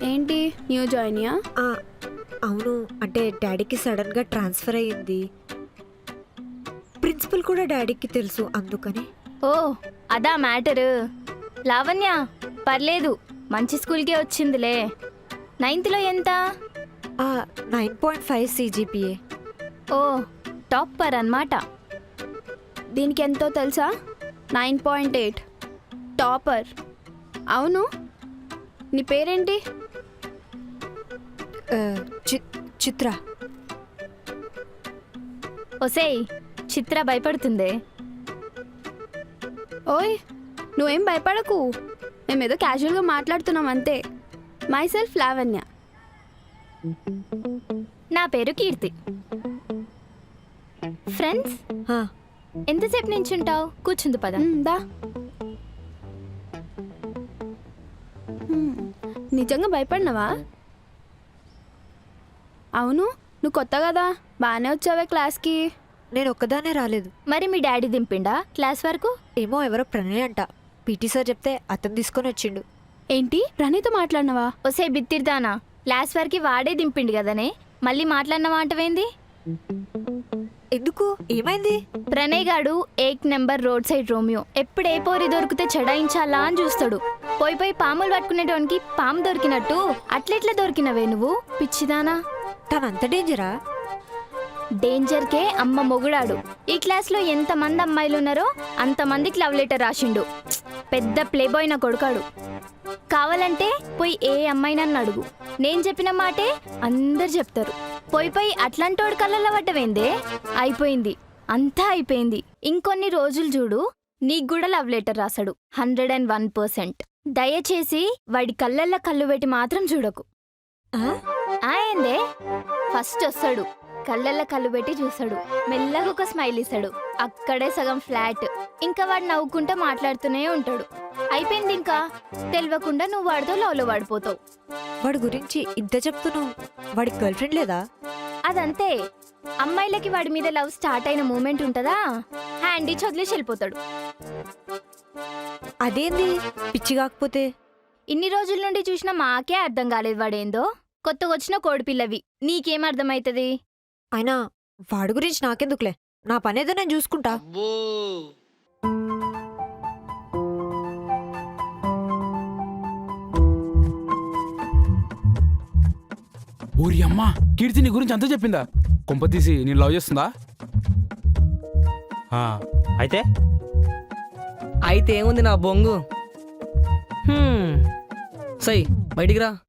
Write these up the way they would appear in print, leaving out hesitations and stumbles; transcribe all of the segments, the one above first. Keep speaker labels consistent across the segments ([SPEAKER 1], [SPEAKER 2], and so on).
[SPEAKER 1] ఏంటి న్యూ జాయినియా?
[SPEAKER 2] అవును, అంటే డాడీకి సడన్గా ట్రాన్స్ఫర్ అయ్యింది. ప్రిన్సిపల్ కూడా డాడీకి తెలుసు, అందుకని.
[SPEAKER 3] ఓ అదా మ్యాటరు. లావణ్య పర్లేదు, మంచి స్కూల్కే వచ్చిందిలే. 9th ఎంత?
[SPEAKER 2] 9.5 CGPA.
[SPEAKER 3] ఓ టాపర్ అన్నమాట.
[SPEAKER 1] దీనికి ఎంతో తెలుసా? 9.8 టాపర్. అవును, నీ పేరేంటి?
[SPEAKER 2] చిత్ర.
[SPEAKER 3] ఒసేయ్, చిత్ర భయపడుతుందే.
[SPEAKER 1] ఓయ్ నువ్వేం భయపడకు, మేమేదో క్యాజువల్గా మాట్లాడుతున్నాం అంతే. Myself Lavanya.
[SPEAKER 3] నా పేరు కీర్తి. ఫ్రెండ్స్, ఎంతసేపు నించుంటావు? కూర్చుంది పద.
[SPEAKER 1] దా. నిజంగా భయపడినావా? అవును, నువ్వు కొత్త కదా, బాగానే వచ్చావే క్లాస్కి.
[SPEAKER 2] నేను ఒక్కదానే రాలేదు.
[SPEAKER 3] మరి మీ డాడీ దింపిండా క్లాస్ వరకు?
[SPEAKER 2] ఏమో, ఎవరో ప్రణయ్ అంట. పీటీ సార్ చెప్తే అతను తీసుకొని వచ్చిండు.
[SPEAKER 1] ఏంటి, ప్రణయ్తో మాట్లాడినావా?
[SPEAKER 3] ఒసే బిత్తిర్దానా, క్లాస్ వరకు వాడే దింపిండు కదనే, మళ్ళీ మాట్లాడినవా అంటవేంది?
[SPEAKER 2] ఎందుకు, ఏమైంది?
[SPEAKER 3] ప్రణయ్ గాడు 8 నెంబర్ రోడ్ సైడ్ రోమియో. ఎప్పుడు ఏ పోరి దొరికితే చెడాయించాలా అని చూస్తాడు. పోయి పాములు పట్టుకునేటోనికి పాము దొరికినట్టు అట్లెట్లా దొరికినవే నువ్వు, పిచ్చిదానా?
[SPEAKER 2] తనంత డేంజరా?
[SPEAKER 3] డేంజర్కే అమ్మ మొగుడాడు. ఈ క్లాస్లో ఎంతమంది అమ్మాయిలు ఉన్నారో అంతమందికి లవ్ లెటర్ రాసిండు. పెద్ద ప్లేబాయ్ నా కొడుకాడు. కావాలంటే పోయి ఏ అమ్మాయినన్ను అడుగు, నేను చెప్పిన మాటే అందరు చెప్తారు. పోయి అట్లాంటోడు కళ్ళల్లో పడ్డవేందే? అయిపోయింది, అంతా అయిపోయింది. ఇంకొన్ని రోజులు చూడు, నీకు కూడా లవ్ లెటర్ రాశాడు 101%. దయచేసి వాడి కళ్ళల్లో కళ్ళు పెట్టి మాత్రం చూడకు. ఏందే, ఫస్ట్ వస్తాడు, కళ్ళల్లో కళ్ళు పెట్టి చూస్తాడు, మెల్లగా ఒక స్మైల్ ఇస్తాడు, అక్కడే సగం ఫ్లాట్. ఇంకా వాడు నవ్వుకుంటా మాట్లాడుతూనే ఉంటాడు. అయిపోయింది, ఇంకా తెలియకుండా నువ్వు వాడితో లవ్లో పడిపోతావు.
[SPEAKER 2] వాడి గురించి ఇంత చెప్తున్నావు, వాడికి గర్ల్ ఫ్రెండ్ లేదా?
[SPEAKER 3] అదంతే, అమ్మాయిలకి వాడి మీద లవ్ స్టార్ట్ అయిన మూమెంట్ ఉంటుందా, హ్యాండ్ ఇచ్చి వదిలేసి వెళ్ళిపోతాడు.
[SPEAKER 2] అదేంది, పిచ్చి కాకపోతే?
[SPEAKER 3] ఇన్ని రోజుల నుండి చూసినా మాకే అర్థం కాలేదు వాడేందో. కొత్తగా వచ్చిన కోడిపిల్లవి, నీకేం అర్థమవుతుంది?
[SPEAKER 2] అయినా వాడి గురించి నాకెందుకులే, నా పనేదో నేను చూసుకుంటా.
[SPEAKER 4] ఊరి అమ్మ, కీర్తి నీ గురించి అంతా చెప్పిందా? కొంపతీసి నేను లవ్ చేస్తుందా?
[SPEAKER 5] అయితే అయితే ఏముంది నా బొంగు. సై బయటికి రా.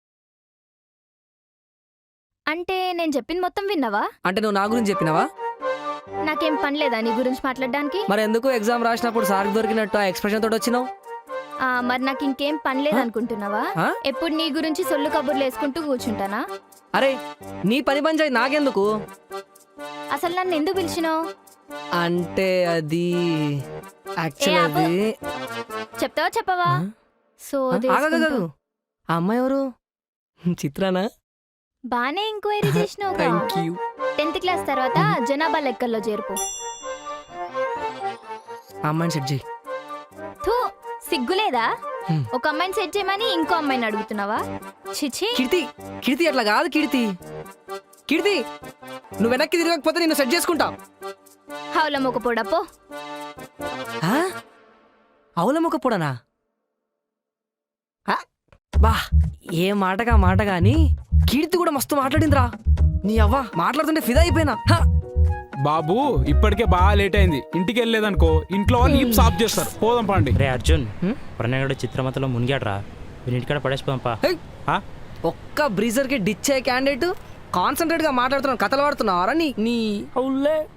[SPEAKER 3] అంటే నేను చెప్పింది మొత్తం విన్నావా?
[SPEAKER 5] అంటే నువ్వు నా గురించి చెప్పినావా?
[SPEAKER 3] నాకేం పని లేదా నీ గురించి మాట్లాడడానికి?
[SPEAKER 5] మరి ఎందుకు ఎగ్జామ్ రాసినప్పుడు సార్కి దొరికినట్టు ఆ ఎక్స్ప్రెషన్ తోటి వచ్చినావు?
[SPEAKER 3] మరి నాకు ఇంకేం పని లేదనుకుంటున్నావా? ఎప్పుడు నీ గురించి సొల్లు కబుర్లు వేసుకుంటూ కూర్చుంటానా?
[SPEAKER 5] అరే నీ పని పంచాయి నాకెందుకు?
[SPEAKER 3] అసలు నన్ను ఎందుకు పిలిచినావు?
[SPEAKER 5] అంటే అది యాక్చువల్లీ
[SPEAKER 3] చెప్తావా చెప్పవా?
[SPEAKER 5] ఆగదు. ఆ అమ్మాయి ఎవరు? చిత్రానా?
[SPEAKER 3] బానే ఎంక్వైరీ చేసినావు.
[SPEAKER 5] Thank you.
[SPEAKER 3] 10th క్లాస్ తర్వాత జనాభా లెక్కల్లో చేర్పు.
[SPEAKER 5] ఆ అమ్మాయిని సెట్ చేయి.
[SPEAKER 3] థూ, సిగ్గులేదా? ఒక అమ్మాయిని సెట్ చేయమని ఇంకో అమ్మాయిని అడుగుతున్నావా? చిచి.
[SPEAKER 5] కీర్తి అట్లా కాదు. కీర్తి నువ్వు వెనక్కి తిరగకపోతే నిన్ను సెట్ చేసుకుంటా.
[SPEAKER 3] హౌలమ్మొక పొడపో.
[SPEAKER 5] అవులమ్మొక పొడనా? బా, ఏ మాటగా మాట గాని కీర్తి కూడా మస్తు మాట్లాడిందిరా. నీ అవ్వ మాట్లాడుతుంటే ఫిదా అయిపోయినా.
[SPEAKER 4] బాబు, ఇప్పటికే బాగా లేట్ అయింది, ఇంటికి వెళ్ళలేదనుకో ఇంట్లో వాళ్ళు ఈప్ సాఫ్ చేస్తారు. పోదాం పండి.
[SPEAKER 6] రే అర్జున్, ప్రణయుడు చిత్రమతలో మునిగాడ్రా, వీనింటికాడ పడేసిపోదాంపా.
[SPEAKER 5] ఒక్క బ్రీజర్ కి డిచ్ అయ్యే క్యాండిడేట్ కాన్సన్ట్రేట్ గా మాట్లాడుతున్నావు, కథలు పడుతున్నావారా? నీ